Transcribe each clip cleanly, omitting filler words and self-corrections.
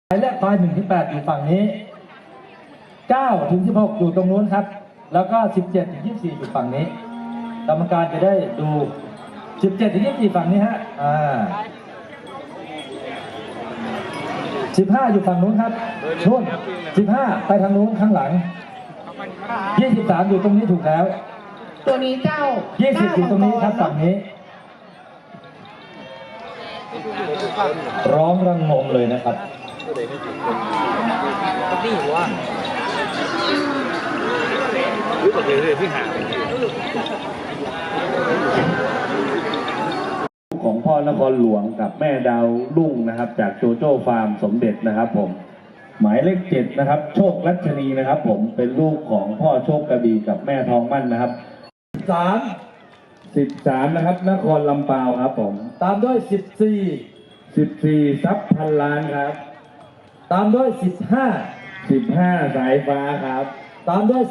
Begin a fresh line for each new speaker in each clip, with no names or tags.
หมายเลขควาย1 ถึง 8อยู่ฝั่งนี้9 ถึง 16อยู่ตรงนู้นครับแล้วก็17 ถึง 24อยู่ฝั่งนี้กรรมการจะได้ดู17 ถึง 24ฝั่งนี้ฮะ15อยู่ฝั่งนู้นครับนู่น15ไปทางนู้นข้างหลัง23อยู่ตรงนี้ถูกแล้ว
ตัวนี้เจ้า
20อยู่ตรงนี้ครับฝั่งนี้ร้องระงมเลยนะครับ
นี่หัวรู้สึกเลยพี่หา
ของพ่อนครหลวงกับแม่ดาวรุ่งนะครับจากโจโจ้ฟาร์มสมเด็จนะครับผมหมายเลข7นะครับโชครัชนีนะครับผมเป็นลูกของพ่อโชคกระบี่กับแม่ทองมั่นนะครับ13นะครับนครลำปาวครับผม
ตามด้วย
14ทรัพย์พันล้านครับ
ตามด้วย
15สายฟ้าครับ
ตามด้วย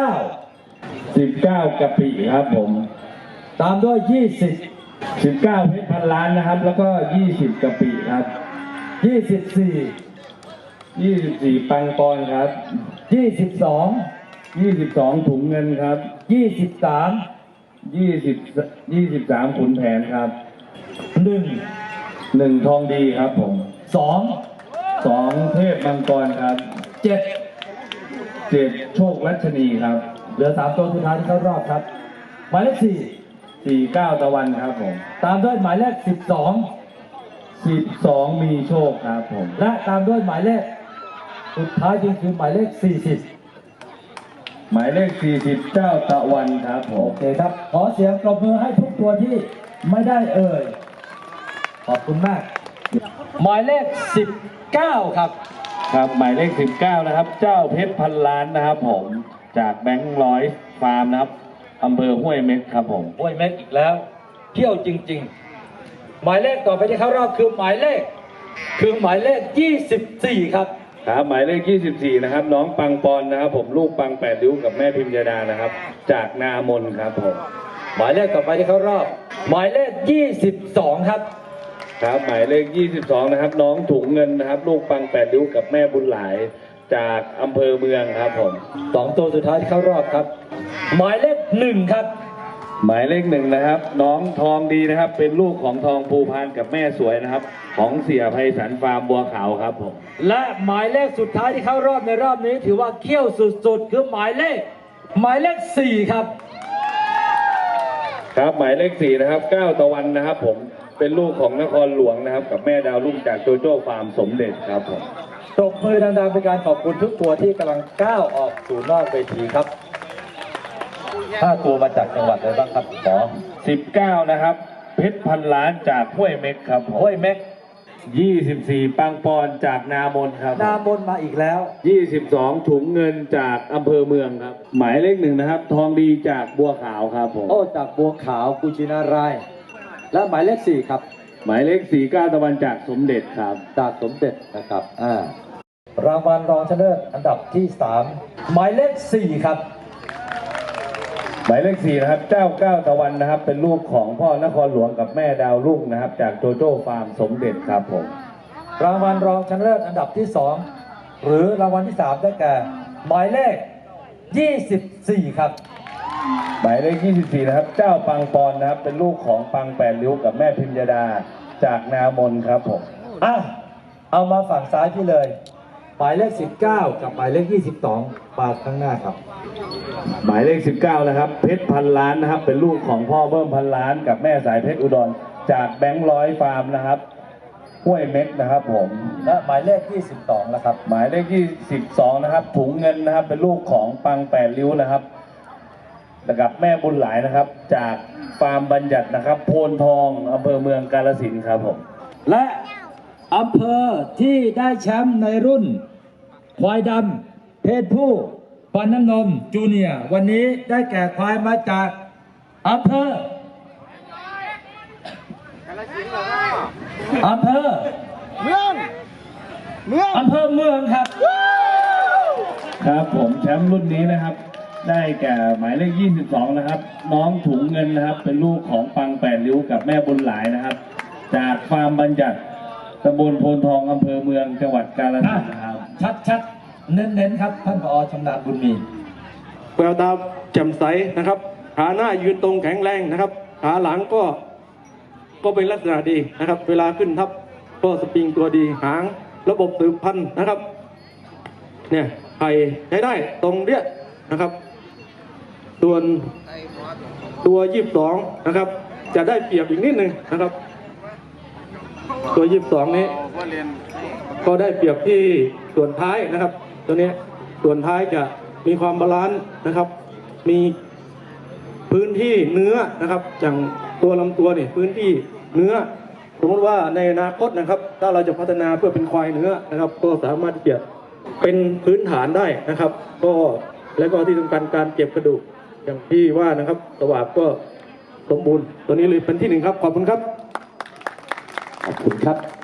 19กะปิครับผม
ตามด้วย
19เพชรพันล้านนะครับแล้วก็20กะปิครับ24ปังปอนครับ22ถุงเงินครับ23ขุนแผนครับ1ทองดีครับผม2เทพมังกรครับ7โชครัชนีครับ
เหลือ3ตัวสุดท้ายที่เข้ารอบครับหมายเลข
49ตะวันครับผม
ตามด้วยหมายเลข
12มีโชคครับผม
และตามด้วยหมายเลขสุดท้ายจริงคือหมายเลข40
หมายเลข40เจ้าตะวันครับผม
โอเคครับขอเสียงปรบมือให้ทุกตัวที่ไม่ได้เอ่ยขอบคุณมากหมายเลข19ครับ
ครับหมายเลข19นะครับเจ้าเพชรพันล้านนะครับผมจากแบงค์ร้อยฟาร์มนะครับอำเภอห้วยเม็กครับผม
ห้วยเม็กอีกแล้วเที่ยวจริงๆหมายเลขต่อไปที่เข้ารอบคือหมายเลข24ครับ
ครับหมายเลข24นะครับน้องปังปอนนะครับผมลูกปัง8ริ้วกับแม่พิมยดานะครับจากนามนครับผม
หมายเลขต่อไปที่เข้ารอบหมายเลข22ครับ
ครับหมายเลข22นะครับน้องถุงเงินนะครับลูกปัง8ริ้วกับแม่บุญหลายจากอำเภอเมืองครับผม
2ตัวสุดท้ายที่เข้ารอบครับหมายเลข1ครับ
หมายเลข1นะครับน้องทองดีนะครับเป็นลูกของทองภูพานกับแม่สวยนะครับของเสี่ยไพศาลฟาร์มบัวขาวครับผม
และหมายเลขสุดท้ายที่เข้ารอบในรอบนี้ถือว่าเขี้ยวสุดๆคือหมายเลข4ครับ
ครับหมายเลข4นะครับ9ตะวันนะครับผมเป็นลูกของนครหลวงนะครับกับแม่ดาวรุ่งจากโจโจ้ฟาร์มสมเด็จครับผม
ตบมือดังๆเป็นการขอบคุณทุกตัวที่กำลังก้าวออกสู่นอกเวทีครับ5ตัวมาจากจังหวัดอะไรบ้างครับหมอ
19นะครับเพชรพันล้านจากห้วยเม็กครับ
ห้วยเม็ก
24ปังปอนจากนามนครับ
นามนมาอีกแล้ว
22ถุงเงินจากอำเภอเมืองครับหมายเลข1นะครับทองดีจากบัวขาวครับผม
โอ้จากบัวขาวกุชินารายและหมายเลข4ครับ
หมายเลข49ตะวันจากสมเด็จครับ
จากสมเด็จนะครับรางวัลรองชนะเลิศอันดับที่3หมายเลข4ครับ
หมายเลข4นะครับเจ้า9ตะวันนะครับเป็นลูกของพ่อนครหลวงกับแม่ดาวรุ่งนะครับจากโจโจ้ฟาร์มสมเด็จครับผม
รางวัลรองชนะเลิศอันดับที่2หรือรางวัลที่3ได้แก่หมายเลข24ครับ
หมายเลข24นะครับเจ้าปังปอนนะครับเป็นลูกของปัง8ริ้วกับแม่พิมยดาจากนามนครับผม
เอามาฝั่งซ้ายพี่เลยหมายเลข19กับหมายเลข22มาข้างหน้าครับ
หมายเลข19นะครับเพชรพันล้านนะครับเป็นลูกของพ่อเบิ้มพันล้านกับแม่สายเพชรอุดรจากแบงค์ร้อยฟาร์มนะครับห้วยเม็กนะครับผม
และหมายเลข22นะครับ
หมายเลข22นะครับถุงเงินนะครับเป็นลูกของปัง8ริ้วนะครับกับแม่บุญหลายนะครับจากฟาร์มบัญญัตินะครับโพนทองอำเภอเมืองกาฬสินธุ์ครับผม
และอำเภอที่ได้แชมป์ในรุ่นควายดำเพศผู้ฟันน้ำนมจูเนียร์วันนี้ได้แก่ควายมาจากอำเภอ
เมือง
อำเภอเมืองครับ
ครับผมแชมป์รุ่นนี้นะครับได้แก่หมายเลข22นะครับน้องถุงเงินนะครับเป็นลูกของปัง8ริ้วกับแม่บุญหลายนะครับจากฟาร์มบัญญัติตำบลโพนทองอำเภอเมืองจังหวัดกาฬสินธุ์นะครับ
ชัดๆ เน้นๆครับท่านผอชำนาญบุญมี
แววตาแจ่มใสนะครับขาหน้ายืนตรงแข็งแรงนะครับขาหลังก็เป็นลักษณะดีนะครับ เวลาขึ้นทับก็สปริงตัวดีหางระบบสืบพันธุ์นะครับเนี่ยไข่ใช้ได้ตรงเนี้ยนะครับส่วนตัว22นะครับจะได้เปรียบอีกนิดนึงนะครับตัว22นี้ก็ได้เปรียบที่ส่วนท้ายนะครับตัวนี้ส่วนท้ายจะมีความบาลานซ์นะครับมีพื้นที่เนื้อนะครับอย่างตัวลำตัวนี่พื้นที่เนื้อสมมติว่าในอนาคตนะครับถ้าเราจะพัฒนาเพื่อเป็นควายเนื้อนะครับก็สามารถที่จะเป็นพื้นฐานได้นะครับก็และก็ที่สำคัญการเก็บกระดูกอย่างที่ว่านะครับสวาปก็สมบูรณ์ตัวนี้เลยเป็นที่หนึ่งครับขอบคุณครับ
ขอบคุณครับ